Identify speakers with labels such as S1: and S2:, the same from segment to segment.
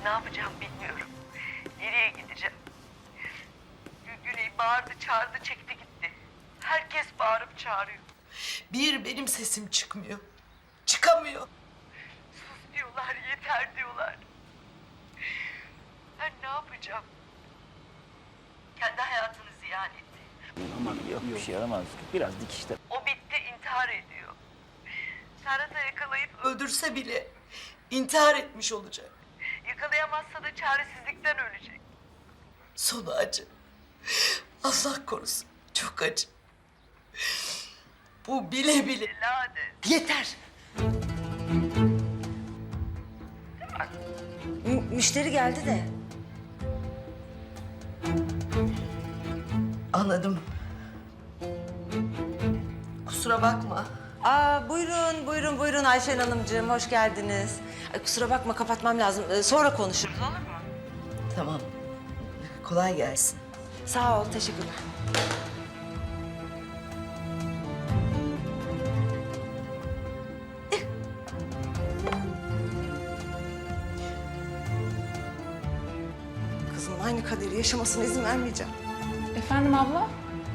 S1: Ne yapacağım bilmiyorum. Nereye gideceğim? Güney bağırdı, çağırdı, çekti gitti. Herkes bağırıp çağırıyor. Bir benim sesim çıkmıyor. Çıkamıyor. Sus diyorlar, yeter diyorlar. Ben ne yapacağım? Kendi hayatını ziyan etti.
S2: Aman yok bir şey yaramaz. Biraz dikişte.
S1: O bitti, intihar ediyor. Serhat'ı yakalayıp öldürse bile intihar etmiş olacak. Yakalayamazsa da çaresizlikten ölecek. Sonu acı. Allah korusun, çok acı. Bu bile bile lanet.
S3: Yeter. Müşteri geldi de.
S1: Anladım. Kusura bakma.
S3: Buyurun Ayşen Hanımcığım, hoş geldiniz. Ay, kusura bakma, kapatmam lazım. Sonra konuşuruz, olur mu?
S1: Tamam. Kolay gelsin.
S3: Sağ ol, teşekkürler. Kızımın aynı kaderi yaşamasına izin vermeyeceğim.
S4: Efendim abla?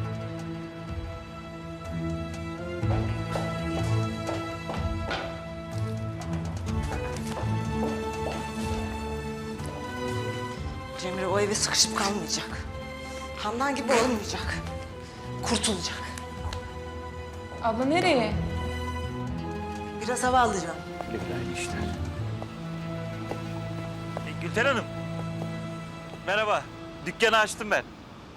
S3: Cemre o eve sıkışıp kalmayacak. Handan gibi olmayacak. Kurtulacak.
S4: Abla nereye?
S3: Biraz hava alacağım.
S2: Güzel işler. Gülten Hanım. Merhaba. Dükkanı açtım ben.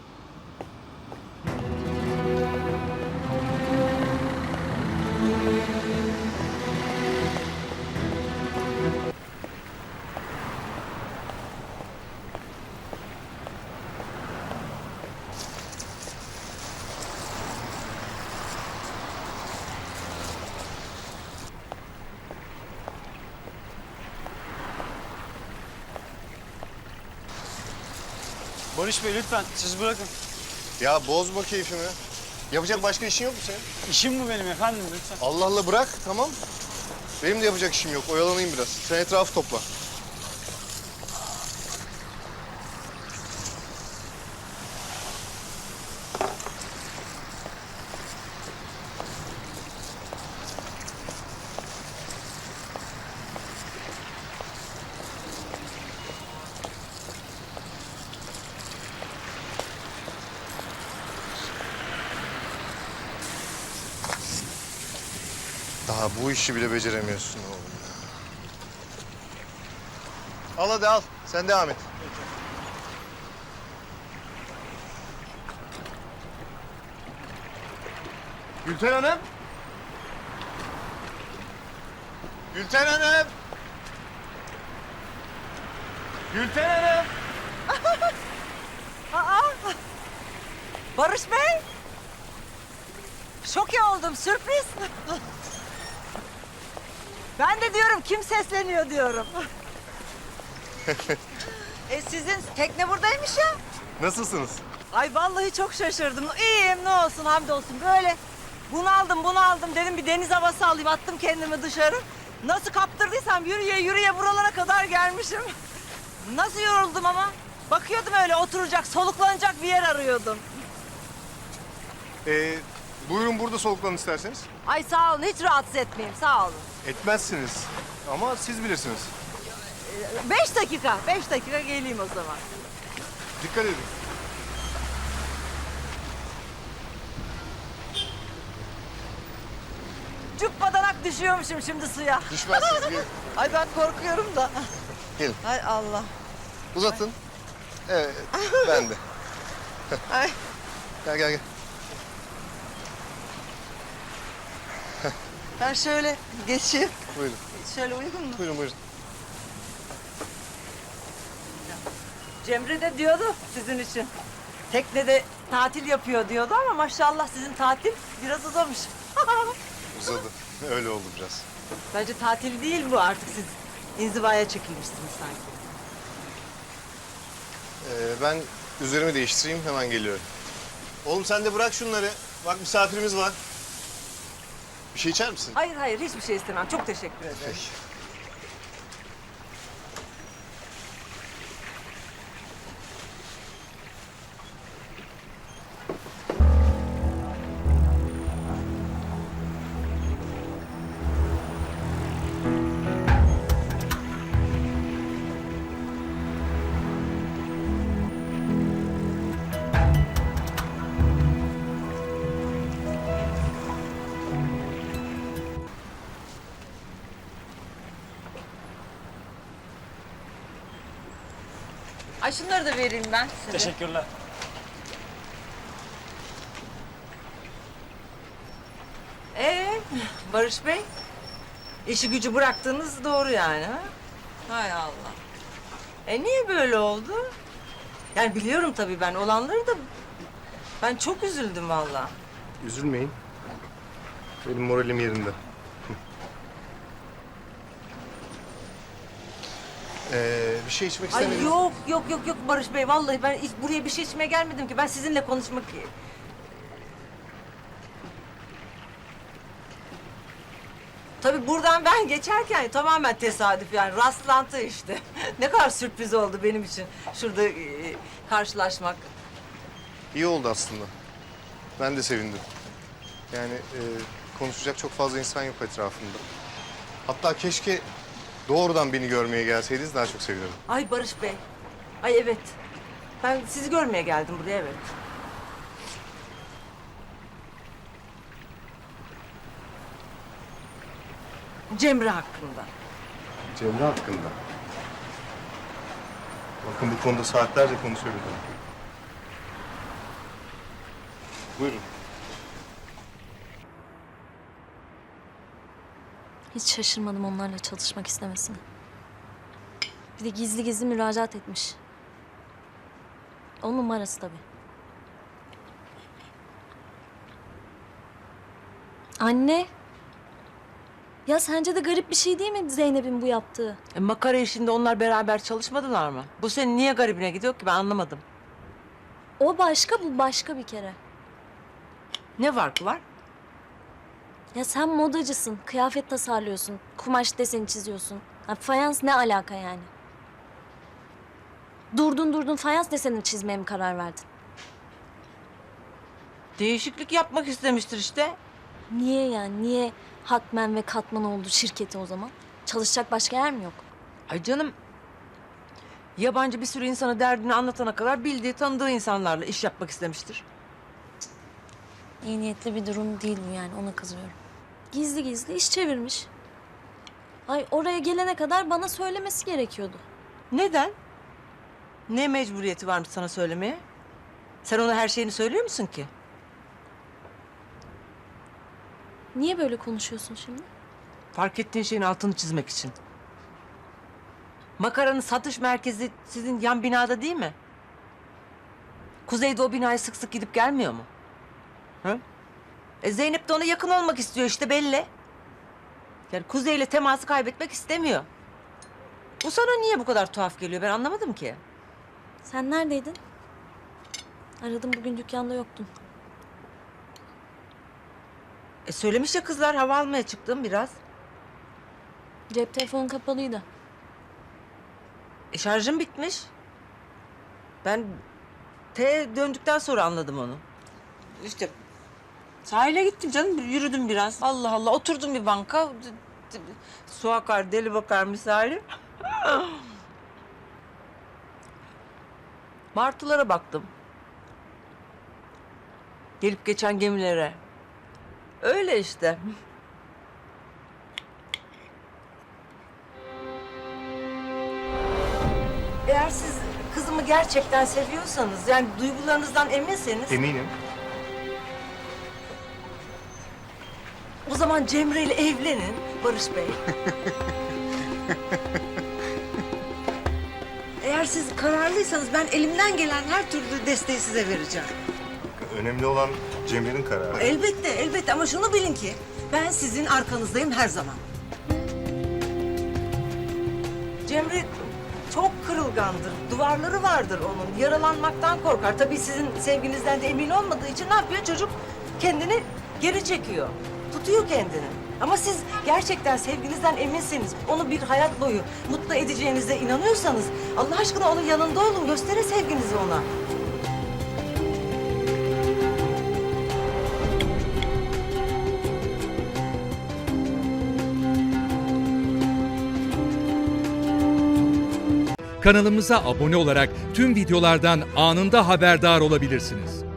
S5: Barış Bey lütfen siz bırakın.
S6: Ya bozma keyfimi. Yapacak başka işin yok mu senin?
S5: İşim bu benim efendim lütfen.
S6: Allah Allah bırak tamam. Benim de yapacak işim yok. Oyalanayım biraz. Sen etrafı topla. Daha bu işi bile beceremiyorsun oğlum ya. Al hadi al. Sen devam et. Gülten Hanım. Gülten Hanım. Gülten Hanım.
S3: Barış Bey! Şok oldum, sürpriz. Ben de diyorum kim sesleniyor diyorum. Sizin tekne buradaymış ya.
S6: Nasılsınız?
S3: Ay vallahi çok şaşırdım. İyiyim ne olsun hamdolsun. Böyle bunaldım dedim bir deniz havası alayım. Attım kendimi dışarı. Nasıl kaptırdıysam yürüye buralara kadar gelmişim. Nasıl yoruldum ama. Bakıyordum öyle oturacak, soluklanacak bir yer arıyordum.
S6: Buyurun burada soluklanın isterseniz.
S3: Ay sağ olun, hiç rahatsız etmeyeyim, sağ olun.
S6: Etmezsiniz. Ama siz bilirsiniz.
S3: 5 dakika geleyim o zaman.
S6: Dikkat edin.
S3: Cübbadanak düşüyormuşum şimdi suya.
S6: Düşmezsiniz. Gelin.
S3: Ay ben korkuyorum da.
S6: Gelin.
S3: Ay Allah.
S6: Uzatın. Evet. Ben de.
S3: Ay.
S6: Gel.
S3: Ben şöyle geçeyim.
S6: Buyurun.
S3: Şöyle uygun mu?
S6: Buyurun.
S3: Cemre de diyordu sizin için. Teknede tatil yapıyor diyordu ama maşallah sizin tatil biraz uzamış.
S6: Uzadı. Öyle oldu biraz.
S3: Bence tatil değil bu artık siz inzivaya çekilmişsiniz sanki.
S6: Ben üzerimi değiştireyim hemen geliyorum. Oğlum sen de bırak şunları. Bak misafirimiz var. Bir şey içer misin?
S3: Hayır hiçbir şey istemem. Çok teşekkür ederim.
S6: Peki.
S3: Ay şunları da vereyim ben size.
S5: Teşekkürler.
S3: Barış Bey, işi gücü bıraktığınız doğru yani ha? Hay Allah. Niye böyle oldu? Yani biliyorum tabii ben olanları da ben çok üzüldüm vallahi.
S6: Üzülmeyin. Benim moralim yerinde. Bir şey içmek ister
S3: Ay
S6: miydiniz?
S3: yok Barış Bey vallahi ben buraya bir şey içmeye gelmedim ki. Ben sizinle konuşmak... Tabii buradan ben geçerken tamamen tesadüf yani rastlantı işte. Ne kadar sürpriz oldu benim için şurada karşılaşmak.
S6: İyi oldu aslında. Ben de sevindim. Yani konuşacak çok fazla insan yok etrafımda. Hatta keşke doğrudan beni görmeye gelseydiniz daha çok sevinirdim.
S3: Ay Barış Bey. Ay evet. Ben sizi görmeye geldim buraya evet. Cemre hakkında.
S6: Cemre hakkında. Bakın bu konuda saatlerce konuşabilirim. Buyurun.
S7: Hiç şaşırmadım onlarla çalışmak istemesine. Bir de gizli gizli müracaat etmiş. On numarası tabii. Anne. Ya sence de garip bir şey değil mi Zeynep'in bu yaptığı?
S3: Makara işinde onlar beraber çalışmadılar mı? Bu senin niye garibine gidiyor ki ben anlamadım.
S7: O başka, bu başka bir kere.
S3: Ne farkı var?
S7: Ya sen modacısın, kıyafet tasarlıyorsun, kumaş deseni çiziyorsun. Ha, fayans ne alaka yani? Durdun fayans deseni çizmeye mi karar verdin?
S3: Değişiklik yapmak istemiştir işte.
S7: Niye yani? Niye Hakmen ve Katman oldu şirketi o zaman? Çalışacak başka yer mi yok?
S3: Ay canım. Yabancı bir sürü insana derdini anlatana kadar bildiği, tanıdığı insanlarla iş yapmak istemiştir.
S7: İyi niyetli bir durum değil bu yani, ona kızıyorum. Gizli gizli iş çevirmiş. Ay oraya gelene kadar bana söylemesi gerekiyordu.
S3: Neden? Ne mecburiyeti varmış sana söylemeye? Sen ona her şeyini söylüyor musun ki?
S7: Niye böyle konuşuyorsun şimdi?
S3: Fark ettiğin şeyin altını çizmek için. Makaranın satış merkezi sizin yan binada değil mi? Kuzey'de o binaya sık sık gidip gelmiyor mu? Hı? Zeynep de ona yakın olmak istiyor işte belli. Yani Kuzey'le teması kaybetmek istemiyor. Bu sana niye bu kadar tuhaf geliyor ben anlamadım ki.
S7: Sen neredeydin? Aradım, bugün dükkanda yoktun.
S3: Söylemiş ya kızlar hava almaya çıktım biraz.
S7: Cep telefonun kapalıydı.
S3: Şarjım bitmiş. Ben döndükten sonra anladım onu. İşte sahile gittim canım, yürüdüm biraz. Allah Allah, oturdum bir banka. Su akar, deli bakar misali. Martılara baktım. Gelip geçen gemilere. Öyle işte. Eğer siz kızımı gerçekten seviyorsanız, yani duygularınızdan eminseniz...
S6: Eminim.
S3: O zaman Cemre ile evlenin Barış Bey. Eğer siz kararlıysanız ben elimden gelen her türlü desteği size vereceğim.
S6: Önemli olan Cemre'nin kararı.
S3: Elbette ama şunu bilin ki ben sizin arkanızdayım her zaman. Cemre çok kırılgandır. Duvarları vardır onun. Yaralanmaktan korkar. Tabii sizin sevginizden de emin olmadığı için ne yapıyor çocuk? Kendini geri çekiyor. Tutuyor kendini. Ama siz gerçekten sevginizden eminseniz, onu bir hayat boyu mutlu edeceğinize inanıyorsanız... Allah aşkına onun yanında olun, gösterin sevginizi ona.
S8: Kanalımıza abone olarak tüm videolardan anında haberdar olabilirsiniz.